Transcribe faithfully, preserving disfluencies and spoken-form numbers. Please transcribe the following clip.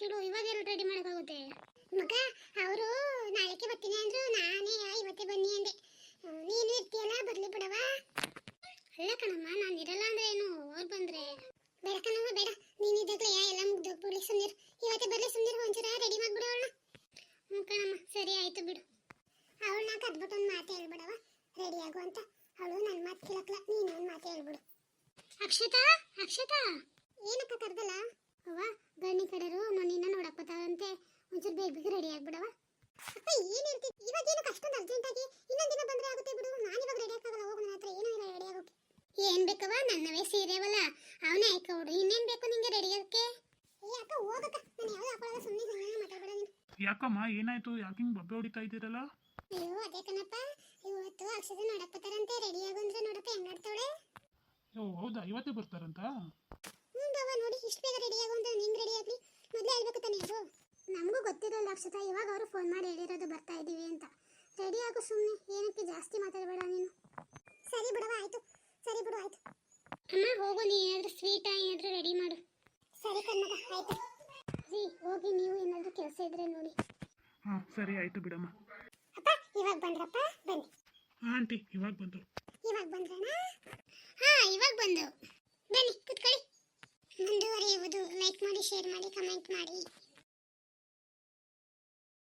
ಬಿಡು, ಇವಾಗ ಎಲ್ಲ ರೆಡಿ ಮಾಡೋಕ್ಕಾಗುತ್ತೆ ಮಗ. ಅವರು ನಾಳೆಗೆ ಬರ್ತೀನಿ ಅಂದ್ರು, ನಾನೇ ಇವತ್ತೇ ಬನ್ನಿ ಅಂದೆ. ನೀನು ಇರ್ತೀಯಲ್ಲ, ಬರ್ಲಿ ಬಿಡವ. ಅಲ್ಲ ಕಣಮ್ಮ, ನಾನು ಇರಲ್ಲ ಅಂದ್ರೆ ಏನು, ಅವ್ರು ಬಂದ್ರೆ ಬೇಡ ಕಣಮ್ಮ, ಬೇಡ. ನೀನಿದ್ದಾಗಲೇ ಎಲ್ಲ ಮುಗ್ದೋಗ್ಬಿಡ್ಲಿ, ಸುಮ್ಮನಿರು. ಇವತ್ತೇ ಬರ್ಲಿ, ಸುಮ್ಮನಿರು. ಒಂಚೂರ ರೆಡಿ ಮಾಡ್ಬಿಡು ಅವಳನ್ನ. ಹ್ಞೂ ಕಣಮ್ಮ, ಸರಿ ಆಯ್ತು ಬಿಡು. ಅವಳನ್ನ ಕದ್ಬಿಟ್ಟು ಒಂದು ಮಾತು ಹೇಳ್ಬಿಡವ, ರೆಡಿ ಆಗು ಅಂತ. ಅವಳು ನನ್ನ ಮಾತು ಕೇಳಕ್ಲ, ನೀನು ಒಂದು ಮಾತು ಹೇಳ್ಬಿಡು. ಅಕ್ಷತಾ, ಅಕ್ಷತಾ, ಏನಕ್ಕ ಕರ್ದಲ್ಲ? ಅವ್ವ, ಗಣಿ ಕಡೆರು ನಿನ್ನ ನೋಡಕ್ ಬರ್ತಾವಂತೆ, ಒಂಚೂರು ಬೇಗ ಬೇಗ ರೆಡಿ ಆಗ್ಬಿಡವ. ಅಪ್ಪ ಏನಿರ್ತಿ, ಇವಾಗ ಏನಕ್ಕೆ ಅಷ್ಟೊಂದು ಅರ್ಜೆಂಟಾಗಿ? ಇನ್ನೊಂದು ದಿನ ಬಂದ್ರೆ ಆಗುತ್ತೆ ಬಿಡು. ನಾನು ಇವಾಗ ರೆಡಿ ಆಗಲ್ಲ, ಹೋಗು, ನನ್ನ ಹತ್ರ ಏನೂ ಇಲ್ಲ ರೆಡಿ ಆಗೋಕೆ. ಏನ್ ಬೇಕವ? ನನ್ನವೇ ಸೀರೆವಲ್ಲ, ಅವನೇ ಹಾಕೋಡು. ಇನ್ನೇನು ಬೇಕು ನಿಂಗೆ ರೆಡಿ ಆಗಕ್ಕೆ? ಏ ಅಕ್ಕ, ಹೋಗಕ್ಕ, ನಾನು ಯಾವ್ದು ಹಾಕೊಳ್ಳಲ್ಲ, ಸುಮ್ಮನೆ ಮಾತಾಡ್ಬೇಡ ನೀನು. ಯಾಕಮ್ಮ, ಏನಾಯ್ತು? ಯಾಕೆ ಹಿಂಗೆ ಬಬ್ಬೆ ಹೊಡಿತಾ ಇದ್ದೀರಲ್ಲ? ಅಯ್ಯೋ ಅದೇ ಕಣಪ್ಪ, ಇವತ್ತು ಅಕ್ಷತೆ ನೋಡಕ್ ಬರ್ತಾರಂತೆ, ರೆಡಿ ಆಗು ಅಂದ್ರೆ ನೋಡಪ್ಪ ಹೆಂಗ್ ನೋಡ್ತಾವಳೆ. ಓ ಹೌದಾ, ಇವತ್ತೇ ಬರ್ತಾರಂತ? ಹ್ಞೂ ಬಾವ, ನೋಡಿ ಇಷ್ಟು ಬೇಗ ರೆಡಿ ಆಗು ಅಂತ ನಿಂಗೆ ರೆಡಿ ಆಗಲಿ, ಮೊದಲೇ ಹೇಳ್ಬೇಕು ತಾನೇ ಅದು. ನಮಗೂ ಗೊತ್ತಿರಲ್ಲ ಅಕ್ಷತಾ, ಇವಾಗ ಅವರು ಫೋನ್ ಮಾಡಿ ಹೇಳಿರೋದು ಬರ್ತಾ ಇದ್ದೀವಿ ಅಂತ. ರೆಡಿ ಆಗು ಸುಮ್ಮನೆ, ಏನಕ್ಕೆ ಜಾಸ್ತಿ ಮಾತಾಡಬೇಡ ನೀನು. ಸರಿ ಬಿಡವ, ಆಯಿತು. ಸರಿ ಬಿಡು, ಆಯಿತು. ಅಮ್ಮ ಹೋಗು, ನೀ ಏನಾದರೂ ಸ್ವೀಟಾ ಏನಾದರೂ ರೆಡಿ ಮಾಡು. ಸರಿ ಕಣ್ಣಗ, ಆಯಿತು. ರೀ ಹೋಗಿ, ನೀವು ಏನಾದರೂ ಕೆಲಸ ಇದ್ರೆ ನೋಡಿ. ಹಾಂ ಸರಿ ಆಯಿತು ಬಿಡಮ್ಮ. ಅಪ್ಪ ಇವಾಗ ಬಂದ್ರಪ್ಪ, ಬನ್ನಿ. ಹಾಂ ಆಂಟಿ, ಇವಾಗ ಬಂದರು. ಇವಾಗ ಬಂದ್ರಣ್ಣ? ಹಾಂ ಇವಾಗ ಬಂದು. ಬನ್ನಿ ಕೂತ್ಕೊಳ್ಳಿ. ಮುಂದುವರಿಯುವುದು ಲೈಕ್ ಮಾಡಿ, ಶೇರ್ ಮಾಡಿ, ಕಮೆಂಟ್ ಮಾಡಿ.